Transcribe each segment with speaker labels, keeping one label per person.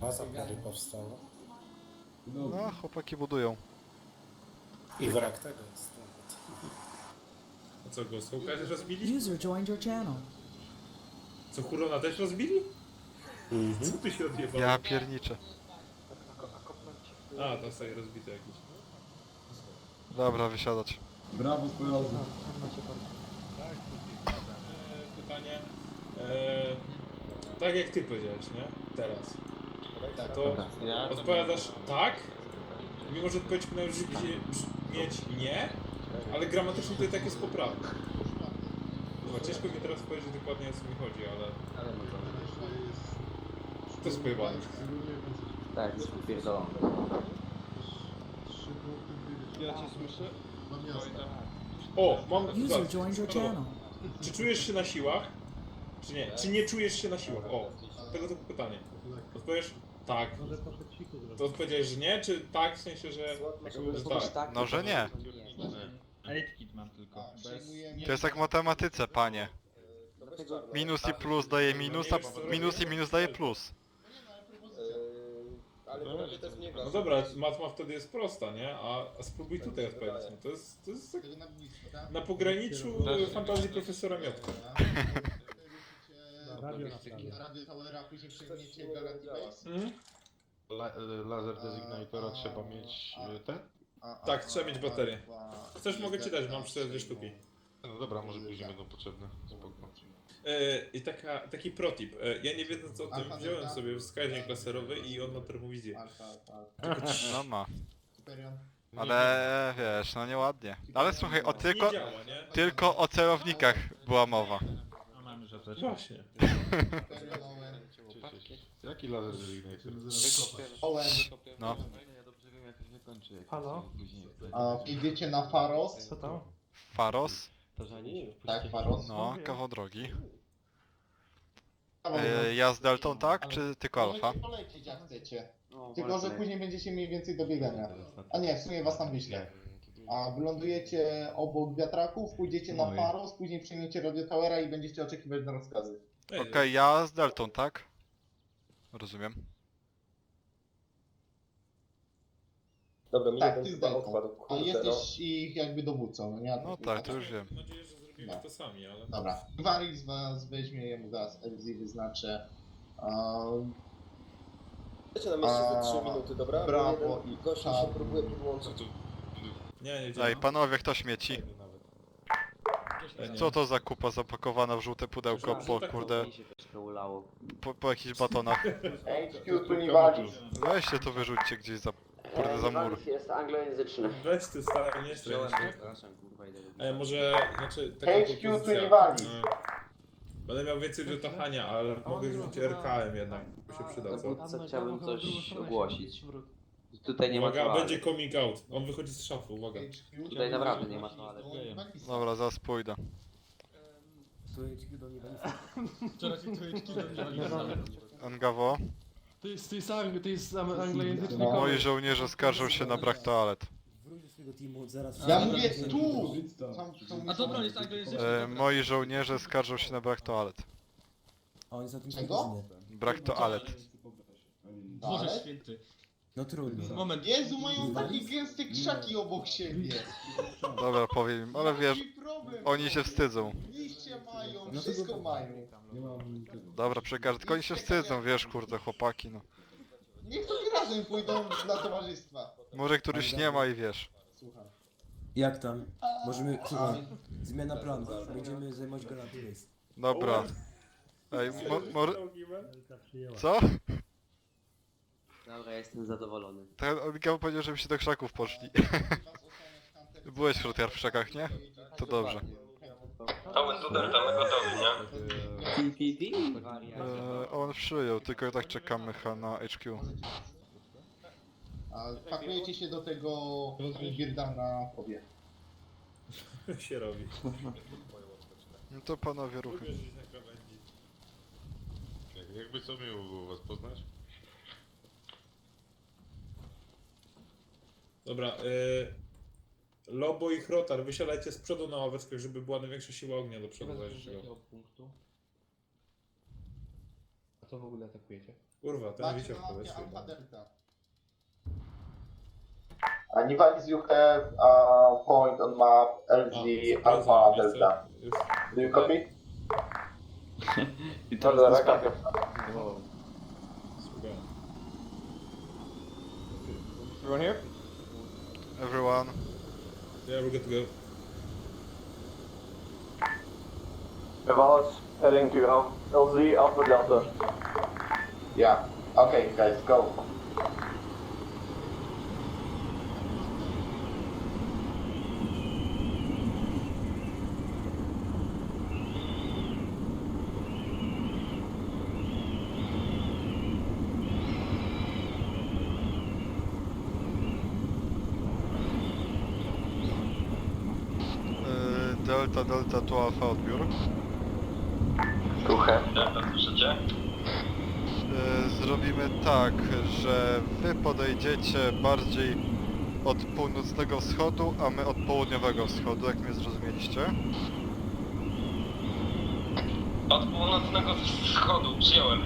Speaker 1: A zapory powstało.
Speaker 2: No, chłopaki budują.
Speaker 1: I wrak tego jest.
Speaker 3: A co, go Sołka też rozbili?
Speaker 4: User joined your channel.
Speaker 3: Co, Hurona też rozbili? Co tu się odjebało?
Speaker 2: Ja pierniczę.
Speaker 3: A, to sobie rozbite jakieś.
Speaker 2: Dobra, wysiadać.
Speaker 5: Brawo, koledzy.
Speaker 3: Pytanie. Tak jak ty powiedziałeś, nie? Teraz. To odpowiadasz tak, mimo że odpowiedź powinna brzmieć nie, ale gramatycznie to i tak jest poprawne. Dobra, ciężko mi teraz powiedzieć dokładnie o co mi chodzi, ale... To jest pojebane.
Speaker 6: Tak, jest popierdolony.
Speaker 5: Ja cię słyszę?
Speaker 3: O, mam...
Speaker 4: User
Speaker 3: zobacz,
Speaker 4: joined your
Speaker 3: dobra.
Speaker 4: channel.
Speaker 3: Czy czujesz się na siłach? Czy nie? Czy nie czujesz się na siłach? O, tego typu pytanie. Odpowiesz tak. To odpowiedziałeś, że nie, czy tak, w sensie, że tak?
Speaker 2: No, że nie.
Speaker 7: Aitkit mam tylko.
Speaker 2: To jest jak w matematyce, panie. Minus i plus daje minus, a minus i minus daje plus.
Speaker 3: No dobra, matma wtedy jest prosta, nie? A spróbuj tutaj odpowiedzieć. No to jest tak na pograniczu fantazji profesora Miotka.
Speaker 8: Radio Towera, później przejmiecie Galaxy Base?
Speaker 5: Laser designatora trzeba mieć ten?
Speaker 3: Tak, trzeba mieć baterię. Chcesz, mogę ci dać, mam 4 sztuki.
Speaker 5: No dobra, może później będą potrzebne. Spoko.
Speaker 3: I taki protip. Ja nie wiedząc o tym, wziąłem sobie wskaźnik laserowy i on ma termowizję.
Speaker 2: No ma.
Speaker 8: Superior.
Speaker 2: Ale wiesz, no nieładnie. Ale słuchaj,
Speaker 3: Nie działa, nie?
Speaker 2: tylko o celownikach była mowa.
Speaker 7: No mamy, że też.
Speaker 3: Właśnie.
Speaker 8: Superior Owen.
Speaker 5: Jaki laser designator?
Speaker 8: Owen.
Speaker 2: No.
Speaker 7: Halo?
Speaker 8: A idziecie na Faros?
Speaker 7: Co to?
Speaker 2: Faros?
Speaker 8: Tak, Faros.
Speaker 2: No, kawał drogi. Ja z Deltą, tak? Czy tylko Alfa?
Speaker 8: Możecie polecieć jak chcecie. Tylko, że później będziecie mieli więcej do biegania. A nie, w sumie was tam wyślę. A wylądujecie obok wiatraków, pójdziecie na Faros, później przyjmiecie Radio Towera i będziecie oczekiwać na rozkazy.
Speaker 2: Okej, ja z Deltą, tak? Rozumiem.
Speaker 9: Dobra, mi
Speaker 8: Tak,
Speaker 9: jeden
Speaker 8: ty z
Speaker 9: chyba
Speaker 8: Deltą.
Speaker 9: odpadł.
Speaker 8: A
Speaker 9: Kurde,
Speaker 8: jesteś ich jakby dowódcą, no nie?
Speaker 2: No tak, to już wiem.
Speaker 3: Mam nadzieję, że zrobimy to sami, ale...
Speaker 8: Dobra. Gwaris was weźmie, jemu zaraz LZ wyznaczę.
Speaker 9: Wiecie na mieście za 3 minuty, dobra?
Speaker 8: Brawo
Speaker 9: Jeden
Speaker 8: i
Speaker 9: gość się
Speaker 8: czarny.
Speaker 9: próbuje podłączyć.
Speaker 3: Nie
Speaker 2: Ej,
Speaker 3: działa.
Speaker 2: panowie, kto śmieci?
Speaker 3: Nie.
Speaker 2: Co to za kupa zapakowana w żółte pudełko po kurde,
Speaker 6: Mi się troszkę ulało.
Speaker 2: po jakichś batonach?
Speaker 8: HQ tu nie wali.
Speaker 2: Weźcie to wyrzućcie gdzieś za, kurde, za mur.
Speaker 6: Jest anglojęzyczny.
Speaker 3: Weź ty stary, nie strzelaj.
Speaker 6: Przepraszam, kurwa, idę.
Speaker 3: Może, znaczy, taka
Speaker 8: HQ tu
Speaker 3: propozycja.
Speaker 8: nie wali.
Speaker 3: Będę miał więcej do tachania, ale mogę wziąć RKM jednak, by się przydał, co?
Speaker 6: Co chciałbym coś ogłosić. Tutaj nie ma
Speaker 3: Uwaga,
Speaker 6: toalety.
Speaker 3: będzie coming out. On wychodzi z szafy, uwaga.
Speaker 6: Tutaj naprawdę nie ma toalety.
Speaker 2: Dobra, zaraz pójdę. Angawo,
Speaker 5: To jest anglojęzyczny.
Speaker 2: moi żołnierze skarżą się na brak toalet.
Speaker 8: Ja mówię tu!
Speaker 7: A dobra, jest anglojęzyczny.
Speaker 2: Moi żołnierze skarżą się na brak toalet.
Speaker 8: Czego?
Speaker 2: Brak toalet.
Speaker 7: Boże święty.
Speaker 4: No trudno.
Speaker 7: Moment.
Speaker 8: Jezu, mają takie gęste krzaki obok siebie.
Speaker 2: Dobra, powiem im, ale wiesz,
Speaker 8: Jaki problem?
Speaker 2: oni się wstydzą.
Speaker 8: Liście mają, wszystko mają.
Speaker 2: Dobra, przekażę, tylko oni się wstydzą, wiesz, kurde, chłopaki, no.
Speaker 8: Niech to razem pójdą dla towarzystwa.
Speaker 2: Może któryś nie ma i wiesz.
Speaker 8: Słucham.
Speaker 4: Jak tam? Możemy, słuchaj, zmiana planu. Będziemy zajmować Galaxy Base.
Speaker 2: Dobra. Ej, co?
Speaker 6: Dobra, ja jestem zadowolony.
Speaker 2: Ten Angawo powiedział, żeby się do krzaków poszli. Byłeś wśród w krzakach, nie? To dobrze.
Speaker 9: Cały tutaj mamy gotowi, nie?
Speaker 6: TPD?
Speaker 2: On przyjął, tylko tak czekamy na HQ.
Speaker 8: A pakujecie się do tego Girda na pobie.
Speaker 3: się robi.
Speaker 2: No to panowie ruchy.
Speaker 3: Ubierz na krawędzi.
Speaker 5: Jakby co miło było was poznać?
Speaker 3: Dobra, Lobo i Chrotar, wysiadajcie z przodu na ławeczkach, żeby była największa siła ognia do przodu zajrzeć.
Speaker 6: co w ogóle atakujecie?
Speaker 3: Kurwa, ten
Speaker 8: Macie
Speaker 3: wyciąg
Speaker 8: na mapie
Speaker 3: powiesz.
Speaker 8: Alpha Delta. Nivalis, you have a point on map LZ Alpha Delta. Do you copy?
Speaker 6: I teraz dostawiam.
Speaker 3: Słuchaj.
Speaker 6: Everyone here?
Speaker 2: Everyone.
Speaker 3: Yeah, we're good to go.
Speaker 9: Nivalis, heading to LZ Alpha Delta.
Speaker 8: Yeah. Okay, guys, go.
Speaker 2: Delta, Delta, tu Alfa odbiór.
Speaker 9: Słuchaj. Delta, słyszycie?
Speaker 2: Zrobimy tak, że wy podejdziecie bardziej od północnego wschodu, a my od południowego wschodu, jak mnie zrozumieliście.
Speaker 9: Od północnego wschodu, przyjąłem.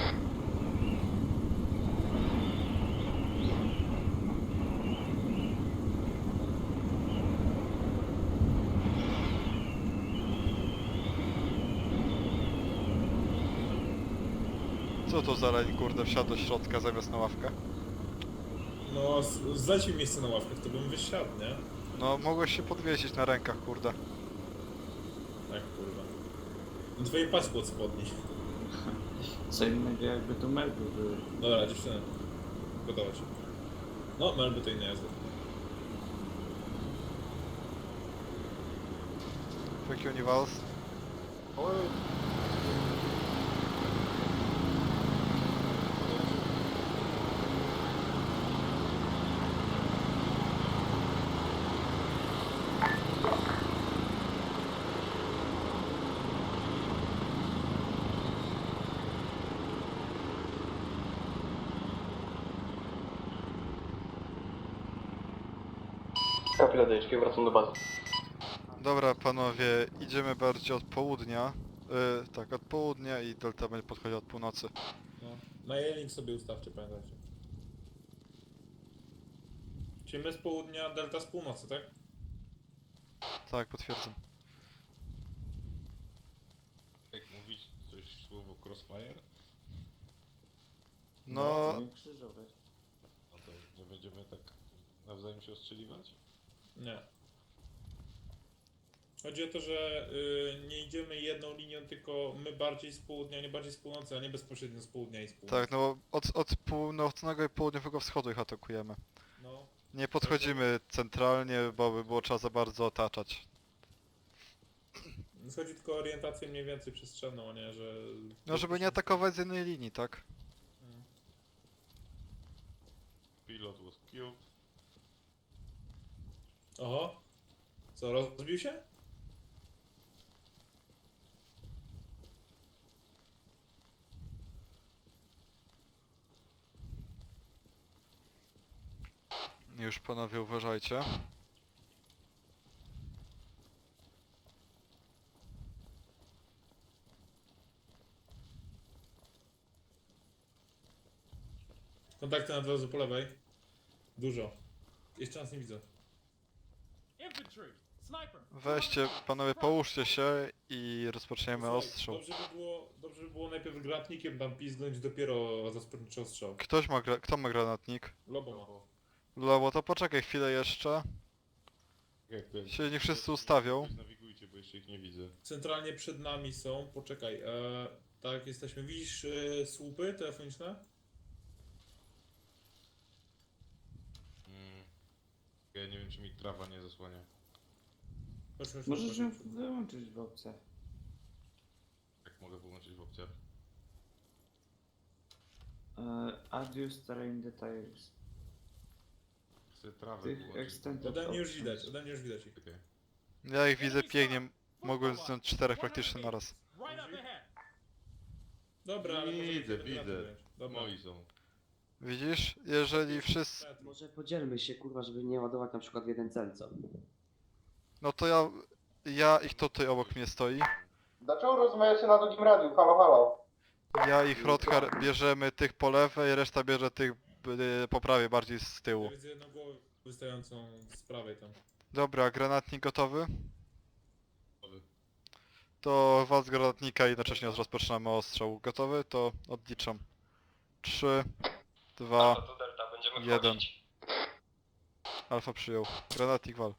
Speaker 2: Co to za leń, kurde, wsiadł do środka zamiast na ławkę?
Speaker 3: No, zdać mi miejsce na ławkach, to bym wysiadł, nie?
Speaker 2: No, mogłeś się podwiesić na rękach, kurde.
Speaker 3: Tak, kurwa. No twoje pasku od spodni.
Speaker 7: Co innego jakby to melby były.
Speaker 3: Dobra, dziewczyny. Gotować. No, melby to inna jazda.
Speaker 2: Fuck you, Nivals.
Speaker 9: Kapiladeczki, wracam do bazy.
Speaker 2: Dobra, panowie, idziemy bardziej od południa. Tak, od południa i Delta będzie podchodził od północy.
Speaker 3: No. Na Jelink sobie ustawcie, pamiętajcie. Czyli my z południa, Delta z północy, tak?
Speaker 2: Tak, potwierdzam.
Speaker 5: Jak mówić coś słowo crossfire?
Speaker 2: No,
Speaker 7: Krzyżować.
Speaker 5: No to nie będziemy tak nawzajem się ostrzeliwać?
Speaker 3: Nie. Chodzi o to, że nie idziemy jedną linią, tylko my bardziej z południa, nie bardziej z północy, a nie bezpośrednio z południa i z północy.
Speaker 2: tak, no od północnego i południowego wschodu ich atakujemy.
Speaker 3: No.
Speaker 2: Nie podchodzimy centralnie, bo by było trzeba za bardzo otaczać.
Speaker 3: Chodzi tylko o orientację mniej więcej przestrzenną, a nie, że...
Speaker 2: No, żeby nie atakować z jednej linii, tak?
Speaker 5: Pilot was killed.
Speaker 3: Oho. Co, rozbił się?
Speaker 2: Już panowie uważajcie.
Speaker 3: Kontakty na drodze po lewej. Dużo. Jeszcze nas nie widzę.
Speaker 2: Weźcie, panowie, połóżcie się i rozpoczniemy
Speaker 3: Słuchaj,
Speaker 2: ostrzał.
Speaker 3: dobrze by było najpierw granatnikiem tam pizdnąć, dopiero rozpocząć ostrzał.
Speaker 2: Kto ma granatnik?
Speaker 3: Lobo ma.
Speaker 2: Lobo, to poczekaj chwilę jeszcze.
Speaker 5: Jak to?
Speaker 2: Się nie wszyscy ustawią.
Speaker 5: Nawigujcie, bo jeszcze ich nie widzę.
Speaker 3: Centralnie przed nami są, poczekaj, tak jesteśmy, widzisz słupy telefoniczne?
Speaker 5: Ja nie wiem, czy mi trawa nie zasłania.
Speaker 3: Chodź,
Speaker 7: Możesz ją wyłączyć w opcjach.
Speaker 5: Jak mogę wyłączyć w opcjach?
Speaker 7: Adius terrain details.
Speaker 5: Chcę trawę
Speaker 7: Tych
Speaker 5: wyłączyć.
Speaker 7: extended
Speaker 3: Ode mnie już
Speaker 7: options.
Speaker 3: widać, ode mnie już widać ich.
Speaker 5: Czekaj.
Speaker 2: Ja ich widzę pięknie. Mogłem zdjąć 4 praktycznie naraz.
Speaker 3: Dobra, ale
Speaker 5: Widzę,
Speaker 3: możemy
Speaker 5: widzę.
Speaker 3: wziąć. Dobra.
Speaker 5: Moi są.
Speaker 2: Widzisz? Jeżeli wszyscy...
Speaker 6: Może podzielmy się, kurwa, żeby nie ładować na przykład w jeden cel, co?
Speaker 2: No to ja ich tutaj obok mnie stoi.
Speaker 8: Dlaczego rozmawiacie na drugim radiu? Halo, halo.
Speaker 2: Ja i Hrothgar bierzemy tych po lewej, reszta bierze tych po prawej, bardziej z
Speaker 3: Ja
Speaker 2: tyłu.
Speaker 3: widzę jedną głowę wystającą z prawej tam.
Speaker 2: Dobra, granatnik gotowy?
Speaker 5: Gotowy.
Speaker 2: To wal z granatnika i jednocześnie rozpoczynamy ostrzał. Gotowy? To odliczam. 3, 2,
Speaker 9: Alfa to Delta, będziemy
Speaker 2: 1.
Speaker 9: wchodzić.
Speaker 2: Alfa przyjął. Granatnik wal.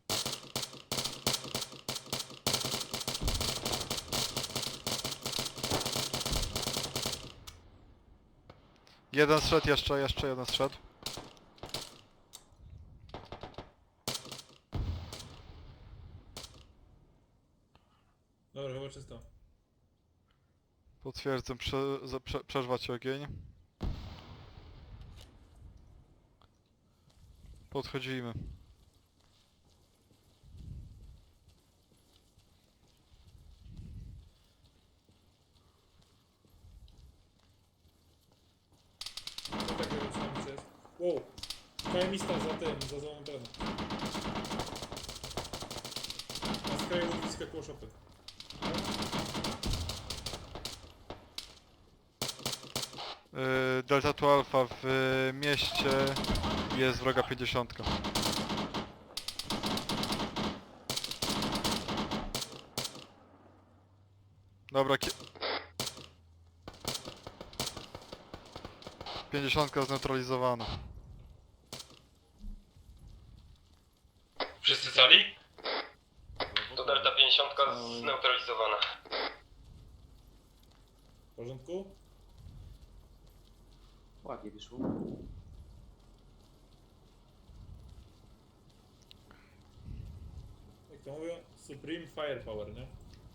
Speaker 2: Jeden strzedł jeszcze jeden strzedł.
Speaker 3: Dobra, chyba czysto.
Speaker 2: Potwierdzam, przerwać ogień. Podchodzimy.
Speaker 3: Co takiego przynajmniej jest? Wow! KM-ista za tym, za złą ten. Na skraju lotniska koło szopy.
Speaker 2: Delta tu Alfa w mieście jest wroga 50. Dobra, 50 zneutralizowana.
Speaker 9: Wszyscy cali? To Delta 50 zneutralizowana.
Speaker 3: W porządku?
Speaker 6: Ładnie wyszło.
Speaker 3: Jak to mówią? Supreme Firepower, nie?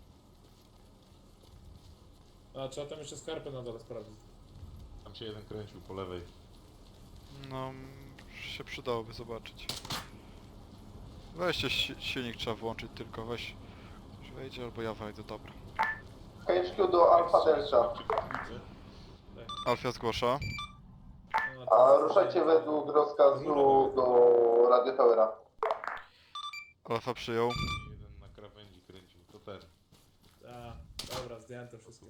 Speaker 3: A, trzeba tam jeszcze skarpę na dole sprawdzić.
Speaker 5: Tam się jeden kręcił po lewej.
Speaker 2: No, się przydałoby zobaczyć. Weźcie silnik, trzeba włączyć tylko, weź. Ktoś wejdzie albo ja wejdę, dobra.
Speaker 8: HQ do Alfa Delta.
Speaker 2: Alfia zgłasza.
Speaker 3: No,
Speaker 8: A ruszajcie według rozkazu do Radio Towera.
Speaker 2: Alfa przyjął.
Speaker 5: Jeden na krawędzi kręcił, to ten.
Speaker 3: A, dobra, zdjąłem to wszystko.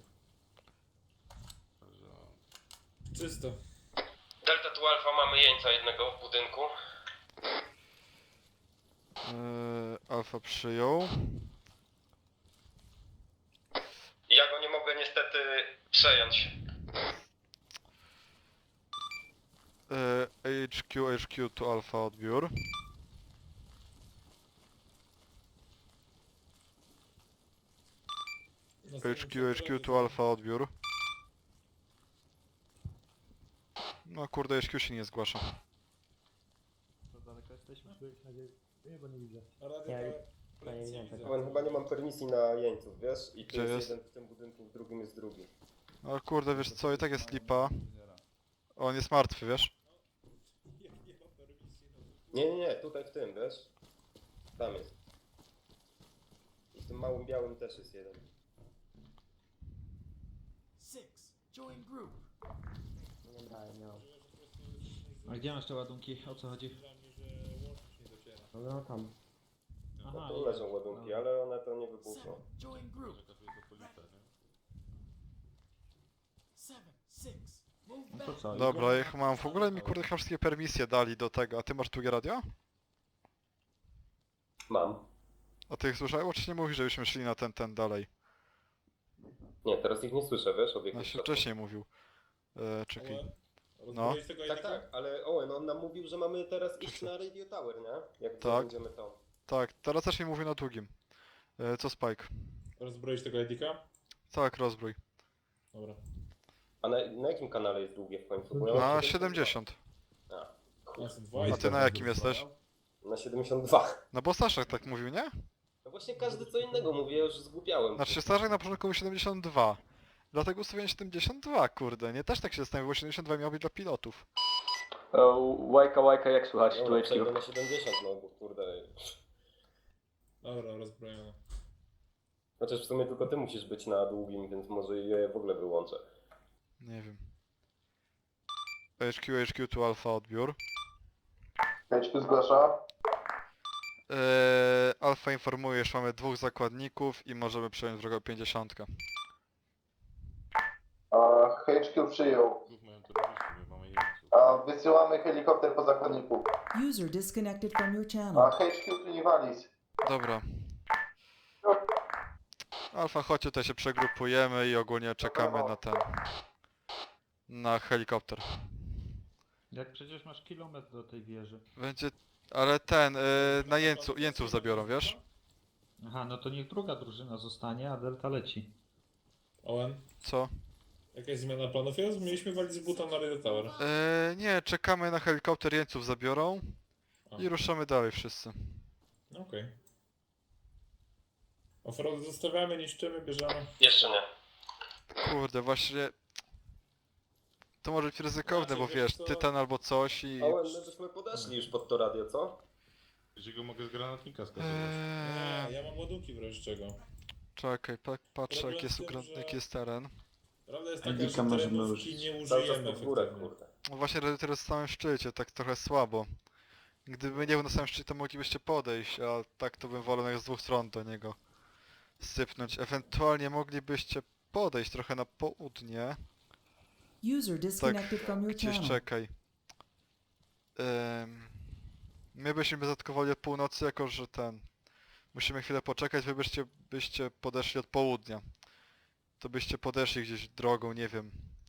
Speaker 5: Także
Speaker 3: Czysto.
Speaker 9: Delta tu Alfa, mamy jeńca jednego w budynku.
Speaker 2: Alfa przyjął.
Speaker 9: Ja go nie mogę niestety przejąć.
Speaker 2: HQ to Alfa odbiór. HQ to Alfa odbiór. No kurde, HQ się nie zgłasza.
Speaker 3: Radio
Speaker 10: Chyba nie mam permisji na jeńców, wiesz? I tu
Speaker 2: Gdzie
Speaker 10: jest
Speaker 2: jest?
Speaker 10: jeden w tym budynku, w drugim jest drugi.
Speaker 2: No kurde, wiesz co, i tak jest lipa. On jest martwy, wiesz?
Speaker 10: Nie, tutaj w tym, wiesz? Tam jest. I w tym małym białym też jest jeden.
Speaker 7: A gdzie masz te ładunki? O co chodzi?
Speaker 4: No tam.
Speaker 10: No tu leżą ładunki, ale one to nie wybuchną.
Speaker 7: No to co?
Speaker 2: Dobra, ja mam w ogóle mi kurde chyba wszystkie permisje dali do tego, a ty masz drugie radio?
Speaker 10: Mam.
Speaker 2: A ty ich słyszałeś? Czy nie mówisz, żebyśmy szli na ten dalej?
Speaker 10: Nie, teraz ich nie słyszę, wiesz? Od
Speaker 2: No
Speaker 10: jakiegoś
Speaker 2: się
Speaker 10: czasu.
Speaker 2: wcześniej mówił. Czekaj.
Speaker 3: Rozbroić tego
Speaker 10: Tak,
Speaker 3: jednego?
Speaker 10: tak, ale Owen, on nam mówił, że mamy teraz iść na Radio Tower, nie? Jak
Speaker 2: Tak.
Speaker 10: będziemy to.
Speaker 2: Tak, teraz też mi mówił na długim. Co Spike?
Speaker 3: Rozbroić tego Edika?
Speaker 2: Tak, rozbrój.
Speaker 3: Dobra.
Speaker 10: A na jakim kanale jest długie w końcu? Bo ja
Speaker 2: Na
Speaker 10: mam
Speaker 2: 70.
Speaker 10: A,
Speaker 3: Ja są dwa
Speaker 2: A ty na jakim jesteś?
Speaker 10: na 72.
Speaker 2: No bo Staszek tak mówił, nie?
Speaker 10: No właśnie każdy co innego mówi, ja już zgłupiałem.
Speaker 2: Znaczy Staszek na początku mówił 72. Dlatego ustawiłem 72, kurde, nie? Też tak się zastanawiam, bo 72 miał być dla pilotów.
Speaker 9: Łajka, jak słychać
Speaker 10: No, przejdę na 70, no bo kurde.
Speaker 3: Dobra, rozbrojone.
Speaker 10: Chociaż w sumie tylko ty musisz być na długim, więc może je w ogóle wyłączę.
Speaker 2: Nie wiem. HQ tu Alfa odbiór.
Speaker 8: HQ zgłasza.
Speaker 2: Alfa informuje, że mamy 2 zakładników i możemy przejąć drogę 50.
Speaker 8: A HQ przyjął.
Speaker 5: Znów mają terrorystów, my mamy jeńców.
Speaker 8: A wysyłamy helikopter po zakładniku.
Speaker 11: User disconnected from your
Speaker 8: A
Speaker 11: channel.
Speaker 8: HQ tu nie walis.
Speaker 2: Dobra. Alfa, chodź tutaj się przegrupujemy i ogólnie czekamy na ten... na helikopter.
Speaker 7: Jak przecież masz kilometr do tej wieży.
Speaker 2: Będzie... ale ten, na jeńców zabiorą, wiesz?
Speaker 7: Aha, no to niech druga drużyna zostanie, a Delta leci.
Speaker 3: Owen,
Speaker 2: Co?
Speaker 3: jakaś zmiana planów jest? Mieliśmy walić z buta na Radio Tower.
Speaker 2: Nie, czekamy na helikopter, jeńców zabiorą
Speaker 3: A.
Speaker 2: i ruszamy dalej wszyscy.
Speaker 3: Okej. Offroad zostawiamy, niszczymy, bierzemy.
Speaker 9: Jeszcze nie.
Speaker 2: Kurde, właśnie... to może być ryzykowne,
Speaker 3: Znaczy,
Speaker 2: bo
Speaker 3: wiesz
Speaker 2: wiesz,
Speaker 3: co?
Speaker 2: tytan albo coś i...
Speaker 10: Owen, my byśmy podeszli już pod to radio, co?
Speaker 5: Jeśli go mogę z granatnika skasować.
Speaker 3: Nie, ja mam ładunki w razie czego.
Speaker 2: Czekaj, patrzę
Speaker 3: Problem
Speaker 2: jaki jest,
Speaker 3: w tym, że-
Speaker 2: jaki jest teren.
Speaker 3: Prawda jest taka,
Speaker 7: Endika
Speaker 3: że
Speaker 7: możemy
Speaker 3: terenówki
Speaker 7: użyć.
Speaker 3: nie
Speaker 10: Cały czas
Speaker 3: użyjemy
Speaker 10: pod górę,
Speaker 3: efektywnie.
Speaker 10: kurde.
Speaker 2: No właśnie, teraz w samym szczycie, tak trochę słabo. Gdyby nie był na samym szczycie, to moglibyście podejść, a tak to bym wolał z dwóch stron do niego sypnąć. Ewentualnie moglibyście podejść trochę na południe.
Speaker 11: User disconnected from your
Speaker 2: Gdzieś
Speaker 11: channel.
Speaker 2: czekaj. My byśmy zaatakowali od północy, jako że ten... musimy chwilę poczekać, wy byście podeszli od południa. To byście podeszli gdzieś drogą, nie wiem.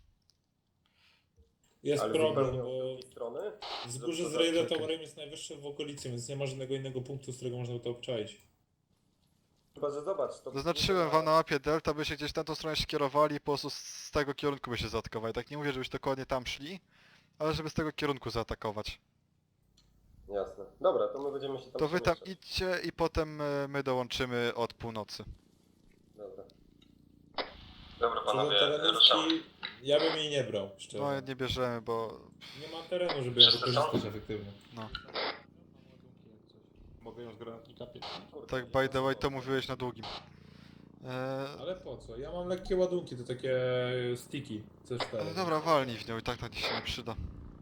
Speaker 3: Jest
Speaker 10: Ale
Speaker 3: problem,
Speaker 10: zupełnie
Speaker 3: bo
Speaker 10: od drugiej strony?
Speaker 3: wzgórze z Radio Towerem jest najwyższe w okolicy, więc nie ma żadnego innego punktu, z którego można to obczaić.
Speaker 10: Chyba, że zobacz, to...
Speaker 2: Zaznaczyłem wam na mapie Delta, byście gdzieś na tą stronę się kierowali i po prostu z tego kierunku by się zaatakowali. Tak nie mówię, żebyście dokładnie tam szli, ale żeby z tego kierunku zaatakować.
Speaker 10: Jasne. Dobra, to my będziemy się tam
Speaker 2: To wy tam
Speaker 10: przemieszczać.
Speaker 2: idźcie i potem my dołączymy od północy.
Speaker 10: Dobra.
Speaker 9: Dobra
Speaker 3: Co do
Speaker 9: panowie, ruszamy.
Speaker 3: terenówki, ja bym jej nie brał, szczerze.
Speaker 2: No nie bierzemy, bo...
Speaker 3: Nie ma terenu, żeby ją
Speaker 9: Wszyscy są?
Speaker 3: wykorzystać efektywnie.
Speaker 2: no.
Speaker 5: Mogę ją z granatnika pieprzyć?
Speaker 10: Kurde,
Speaker 2: Tak by the way to mówiłeś na długim.
Speaker 3: Ale po co? Ja mam lekkie ładunki, to takie sticky C4.
Speaker 2: Ale dobra, walnij w nią i tak na dziś się nie przyda.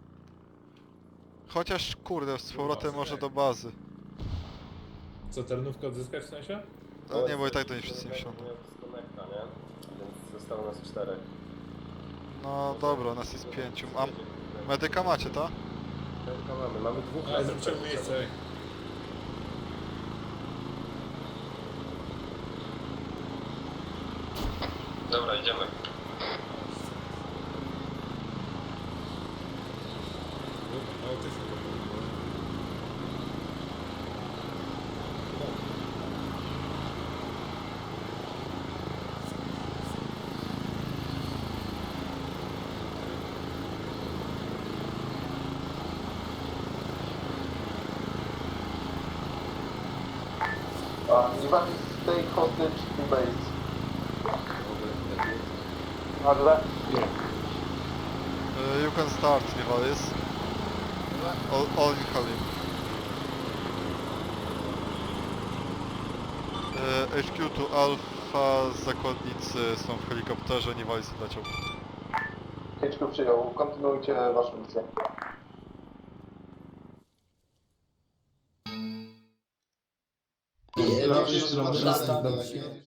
Speaker 2: Chociaż kurde, z powrotem może do bazy.
Speaker 3: Co, terenówkę odzyskać w sensie?
Speaker 2: No nie, bo i tak to nie wszyscy nie wsiądą.
Speaker 10: miał disconnecta, nie? Więc zostało nas 4.
Speaker 2: No dobra, nas jest 5. A medyka macie, tak?
Speaker 10: Mamy dwóch
Speaker 3: Ale
Speaker 10: razem
Speaker 3: zróbcie miejsce.
Speaker 9: Dobra, idziemy.
Speaker 3: Ale też nie
Speaker 8: Nie walis stay hostage to base.
Speaker 2: You can start, Nivalis. All in Halim. HQ to Alpha, zakładnicy są w helikopterze, Nivalis leciał.
Speaker 8: HQ przyjął. Kontynuujcie waszą misję.
Speaker 4: Przedstawić się.